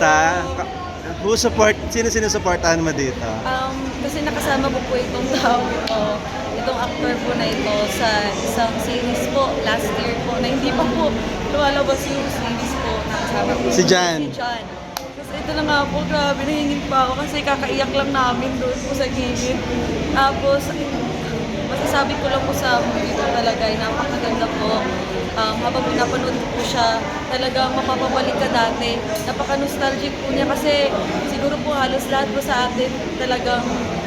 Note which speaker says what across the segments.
Speaker 1: Kamusta? Who support? Sino sinusuportahan mo dito?
Speaker 2: Kasi nakasama ko po itong tao ito, itong actor po na ito sa isang series po last year po na hindi pa po lumalabas yung series po na kasama ko.
Speaker 1: Si Jan.
Speaker 2: Si Jan. Tapos ito na nga po, grabe, nahingin pa ako kasi kakaiyak lang namin doon po sa gilid. Tapos, masasabi ko lang po sa movie ito talaga ay napakaganda po. Habang pinapanood ko po siya, talagang mapapabalik ka dati. Napaka-nostalgic po niya kasi siguro po halos lahat po sa atin talagang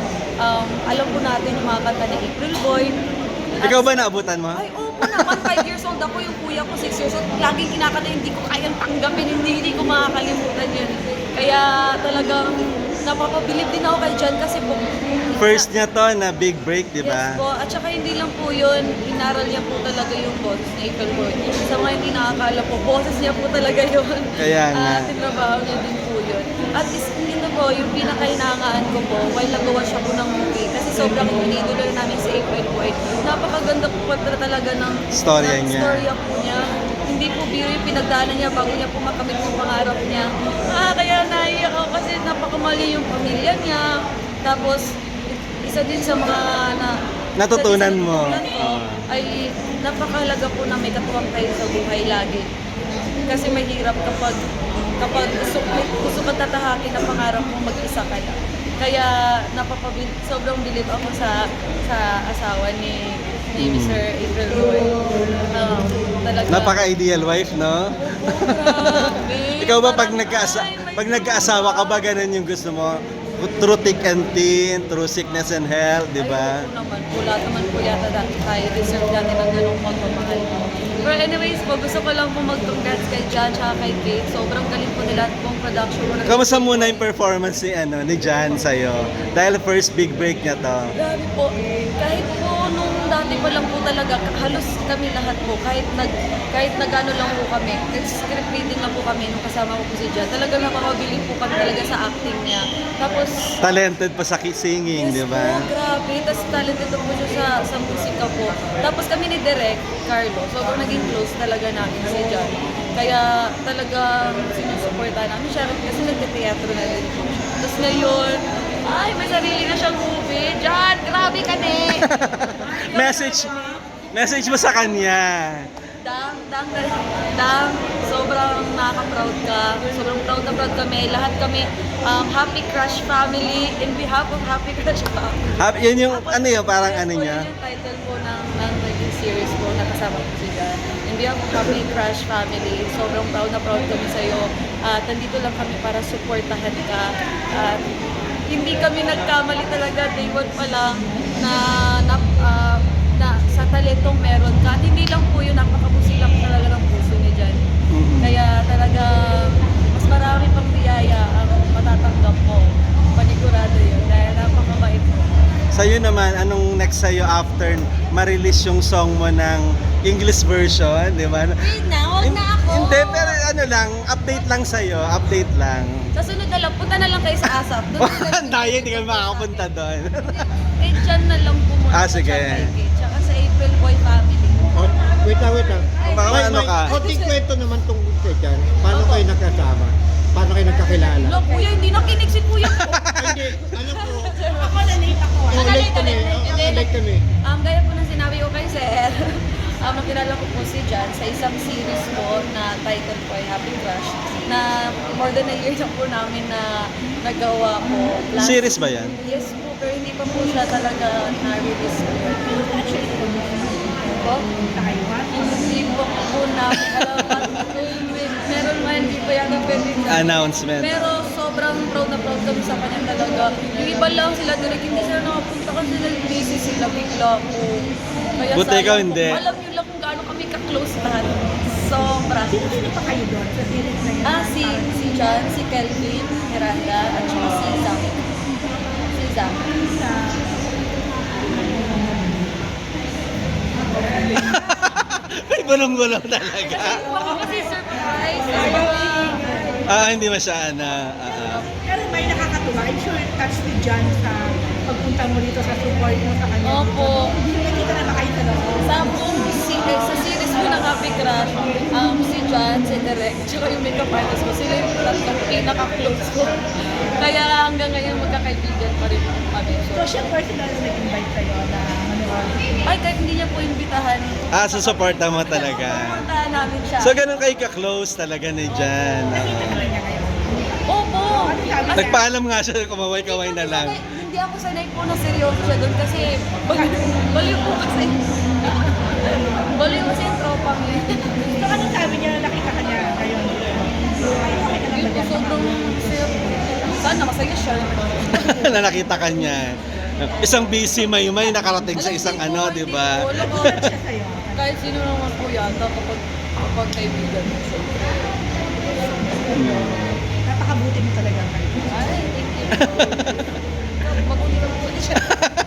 Speaker 2: alam po natin yung mga kanta ni April Boy.
Speaker 1: Ikaw ba naabutan mo?
Speaker 2: Ay, oo po naman. 5 years old ako, yung kuya ko 6 years old. Laging kinakanta, hindi ko kayang tanggapin, hindi ko makakalimutan yun. Kaya talagang napapabilib din ako kay Jan kasi po.
Speaker 1: First niya to na big break, di ba?
Speaker 2: Yes po. At saka hindi lang po yun, inaral niya po talaga yung boses ni April Boy. Sa mga hindi nakakala po, boses niya po talaga yun.
Speaker 1: Kaya nga.
Speaker 2: At tinrabaho niya din po yun. At ito po, yung pinakahinangaan ko po, while nagawa siya po ng movie, kasi sobrang iniidolo namin si April Boy. Napakaganda po talaga ng
Speaker 1: Storya niya.
Speaker 2: Storya po niya. Hindi po biro yung pinagdaanan niya bago niya po makamit yung pangarap niya. Kaya naiyak ako kasi napakamali yung pamilya niya. Tapos, isa din sa mga
Speaker 1: Natutunan mo.
Speaker 2: Ay napakahalaga po na may katuwang kayo sa buhay lagi. Kasi mahirap kapag gusto ka tatahakin na pangarap mo mag-isa ka lang. Kaya sobrang bilib ako sa asawa ni Mr. April Boy. Talaga.
Speaker 1: Napaka-ideal wife, no?
Speaker 2: Grabe.
Speaker 1: Ikaw ba pag nagkaasawa ka ba ganun yung gusto mo? Through thick and thin, through sickness and health, di ba?
Speaker 2: Ay, naman po. Lahat naman po yata tayo deserve natin ng ganung pagmamahal. But anyways po, gusto ko lang po mag-congrats kay Jan at kay Kate. Sobrang galing po nila at pong production mo.
Speaker 1: Kamusta muna yung performance ni Jan sa'yo? Dahil first big break niya to.
Speaker 2: Grabe po. Kahit po nung dati pa lang po talaga, halos kami lahat po, kahit nag-ano lang po kami, script reading lang po kami nung kasama ko po si Jan. Talaga napakabiling po kami talaga sa acting niya. Tapos,
Speaker 1: Talented pa sa singing, di ba?
Speaker 2: po, grabe. Tapos talented po siya sa musika po. Tapos kami ni Direk, Carlo, sobrang naging close talaga namin si Jan. Kaya talagang sinusuporta namin siya kasi nagte-teatro na rin po siya. Tapos ngayon, ay, may sarili na siyang movie. Jan, grabe ka ne!
Speaker 1: Message mo sa kanya.
Speaker 2: Dang, sobrang nakaka-proud ka. Sobrang proud na proud kami. Lahat kami, Happy Crush Family, in behalf of Happy Crush Family.
Speaker 1: Yun yung, ano yun, parang
Speaker 2: Yes
Speaker 1: ano
Speaker 2: po,
Speaker 1: niya?
Speaker 2: yun yung title po ng naging series po na kasama ko si Jan. In behalf of Happy Crush Family, sobrang proud na proud kami sa'yo. At nandito lang kami para supportahan ka. At hindi kami nagkamali talaga day one pa lang na sa talentong meron ka. At hindi lang po yun, napakabusi lang talaga ng puso ni Jan. Kaya talaga mas marami pang biyaya ang matatanggap mo. Panigurado yun dahil napakabait mo.
Speaker 1: Sa'yo naman, anong next sa'yo after ma-release yung song mo ng English version, di ba?
Speaker 2: Wait na, huwag na ako!
Speaker 1: Hindi, pero ano lang, update lang sa'yo, update lang.
Speaker 2: Sa sunod na lang, punta na lang kayo sa ASAP. Doon na lang.
Speaker 1: Tayo, hindi ka makakapunta doon.
Speaker 2: Kay Jan na lang po muna.
Speaker 1: Sige.
Speaker 2: Kay Kate, tsaka sa April Boy family.
Speaker 3: Oh, wait lang.
Speaker 1: Baka
Speaker 3: May
Speaker 1: ano ka?
Speaker 3: konting kwento naman tungkol kay Jan. Paano kayo nagkasama? Paano kayo nagkakilala?
Speaker 2: Lo, kuya, hindi nakinig si kuya ko.
Speaker 3: Hindi, alam ko.
Speaker 2: Ako na late ako.
Speaker 3: Late kami. Late kami.
Speaker 2: Gaya po ng sinabi ko kay Sir, nakilala ko po si Jan sa isang series po na title po ay Happy Crush na more than a year na po namin na nagawa po.
Speaker 1: Series ba yan?
Speaker 2: Yes po, pero hindi pa po siya talaga na-release po. Po? Hindi po namin alam at meron man, hindi pa yata pwede na.
Speaker 1: Announcement.
Speaker 2: Pero sobrang proud na proud kami sa kanya talaga. Yung iba lang sila direct, hindi sila nakapunta kasi busy sila bigla po. Kaya
Speaker 1: Buti
Speaker 2: sayang
Speaker 1: ikaw
Speaker 2: po.
Speaker 1: hindi.
Speaker 2: Alam niyo lang kung gaano kami ka-close lahat. Sobra.
Speaker 4: Sino pa kayo doon sa series na yun?
Speaker 2: Si John, si Kelvin, Miranda, at saka si Zach. Si Zach.
Speaker 1: Ay, bulong-bulong talaga.
Speaker 2: Baka kasi surprise.
Speaker 1: Hindi masyana.
Speaker 4: Pero may nakakatuwa. I'm sure touch ni John sa pagpunta mo dito sa support mo sa kanya.
Speaker 2: Opo.
Speaker 4: Nakita na ba kayo talaga?
Speaker 2: Sa buong scene Okay, sa series ko ng Happy Crush, si John, si Derek, tsaka yung makeup artist ko, sila yung tatlong pinaka-close ko. Kaya hanggang ngayon magkakaibigan pa rin kami.
Speaker 4: So siya personal na nag-invite kayo na manood.
Speaker 2: Ay, kahit hindi niya po imbitahan,
Speaker 1: Susuporta mo talaga.
Speaker 2: pupuntahan namin siya.
Speaker 1: So, ganun kayo ka-close talaga ni Jan.
Speaker 4: Nakita naman niya ngayon.
Speaker 2: Opo!
Speaker 4: Ano sabi niya?
Speaker 1: Nagpaalam nga siya, kumaway-kaway na lang.
Speaker 2: Hindi ako sanay po na seryoso siya doon kasi baliw po kasi. Baliw kasi yung tropa mo eh.
Speaker 4: So anong sabi niya na nakita ka niya ngayon? Ay, okay ka lang
Speaker 2: Yun
Speaker 4: ba
Speaker 2: po,
Speaker 4: niya?
Speaker 2: sobrang masaya. Sana masaya siya.
Speaker 1: Na nakita ka niya. Isang busy may nakarating sa isang ano, di ba?
Speaker 2: Wala ko.
Speaker 4: Bakit siya sa'yo?
Speaker 2: Kahit sino naman po yata kapag kaibigan mo. So,
Speaker 4: Napakabuti mo talaga kayo.
Speaker 2: ay, thank you po. Mabuti ka po siya.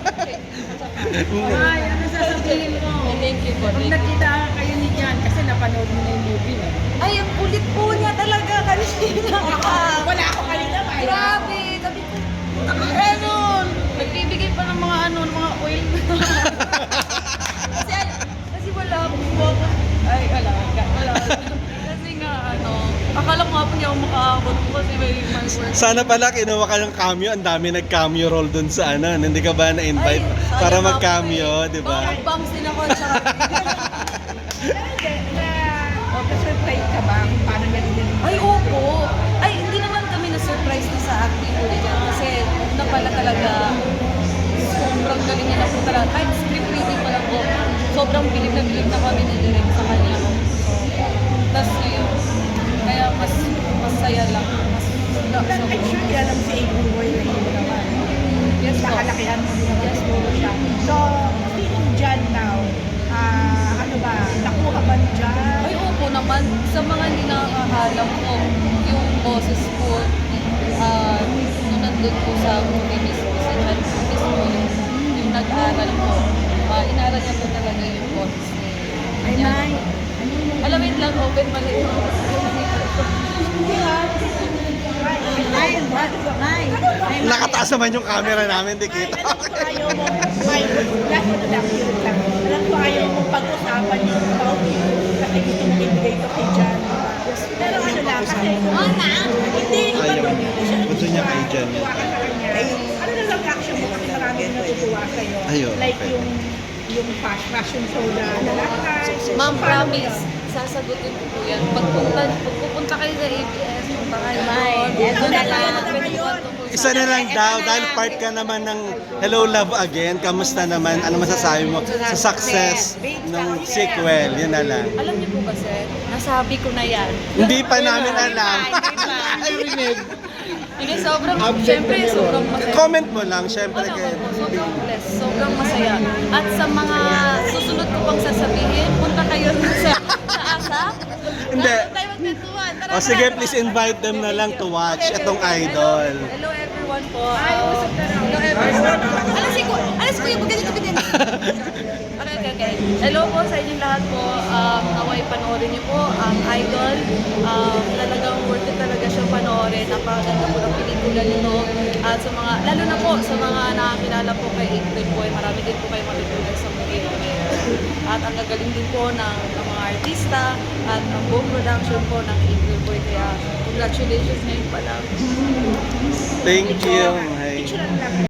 Speaker 5: Ay, ano sasabihin mo?
Speaker 2: Thank you po.
Speaker 5: Pag nakita kayo ni Jan, kasi napanood mo na yung movie.
Speaker 2: Ay, ang kulit po niya talaga kanina.
Speaker 4: Wala ako kanina ba?
Speaker 2: Grabe! Sabi ko, Renon! Nagbibigay pa ng mga ng mga oil. kasi wala po ako. Ay, wala. Kasi nga, akala ko nga po hindi ako makaabot po kasi may work.
Speaker 1: Sana pala kinuha ka ng cameo, ang dami nag-cameo role dun sa ano, hindi ka ba na-invite
Speaker 2: Ay,
Speaker 1: para
Speaker 2: sayang
Speaker 1: mag-cameo,
Speaker 2: ako eh.
Speaker 1: di ba?
Speaker 2: Baka bangs din ako. Tsaka,
Speaker 4: Na-surprise ka ba kung paano niya dinilin?
Speaker 2: ay, opo. Ay, hindi naman kami na-surprise na sa acting ko niya kasi na pala talaga sobrang galing niya na po talaga. Kahit script reading pa lang po, sobrang bilib na kami ni Direk sa kanya. So, tas ngayon, kaya mas masaya lang. Mas
Speaker 4: I'm sure kilala mo si April Boy na hero naman.
Speaker 2: Yes po.
Speaker 4: Nakalakihan mo din naman siguro siya. So, speaking Jan now, ano ba, nakuha ba ni Jan?
Speaker 2: Ay, opo naman. Sa mga hindi nakakahalam ko, yung boses ko, nung nandun po sa movie mismo, sa John mismo, yung nag-aral ko, inaral niya po talaga yung boses niya.
Speaker 4: Ay, Nay.
Speaker 2: Alam, wait lang, open mali.
Speaker 4: Nay,
Speaker 1: Nakataas naman yung camera namin, di
Speaker 4: Ay,
Speaker 1: kita.
Speaker 4: alam ko ayaw mo, may last one lang, yun lang. Alam ko ayaw mo pag-usapan yung about you kasi gusto mong ibigay ito kay Jan. Pero ano lang, kasi hindi,
Speaker 1: Ayaw
Speaker 4: iba
Speaker 1: niya.
Speaker 4: to, siya
Speaker 1: Gusto niya kay Jan.
Speaker 4: natutuwa ka sa kanya. Ano na lang reaction mo kasi marami na natutuwa sa'yo.
Speaker 1: Ayun,
Speaker 4: Like
Speaker 1: okay.
Speaker 4: yung fashion show na lalakad.
Speaker 2: Ma'am,
Speaker 4: Paano mo
Speaker 2: promise,
Speaker 4: yun?
Speaker 2: sasagutin ko po yan. Pagpupunta kayo sa ABS, punta kayo doon.
Speaker 4: Ito na lang.
Speaker 1: Isa na lang daw, dahil part ka naman ng Hello Love Again, kamusta naman? Ano masasabi mo sa success ng sequel? Yun na lang.
Speaker 2: Alam niyo po kasi, nasabi ko na yan.
Speaker 1: Hindi pa namin alam.
Speaker 2: Hindi, syempre, sobrang masaya.
Speaker 1: Comment mo lang, syempre
Speaker 2: Ano
Speaker 1: kayo.
Speaker 2: po, sobrang blessed, sobrang masaya. At sa mga susunod ko pang sasabihin, punta kayo sa ASAP.
Speaker 1: Hindi.
Speaker 2: Ano tayo magkwentuhan? Tara,
Speaker 1: O sige,
Speaker 2: tara.
Speaker 1: please invite them na lang to watch itong idol.
Speaker 2: Hello everyone po. Hello everyone. Alas ko yung ganito din. Okay. Hello po sa inyong lahat po. Naway panoorin niyo po ang Idol. Talagang worth it talaga siya panoorin. Napakaganda po ng pelikula nito. At sa mga, lalo na po sa mga nakakilala po kay April Boy, marami din po kayo matutunan sa movie na ito. At ang gagaling din po ng mga artista at ang buong production po ng April Boy. Kaya congratulations ngayon pa lang.
Speaker 1: Thank you. Hi.
Speaker 4: Picture lang.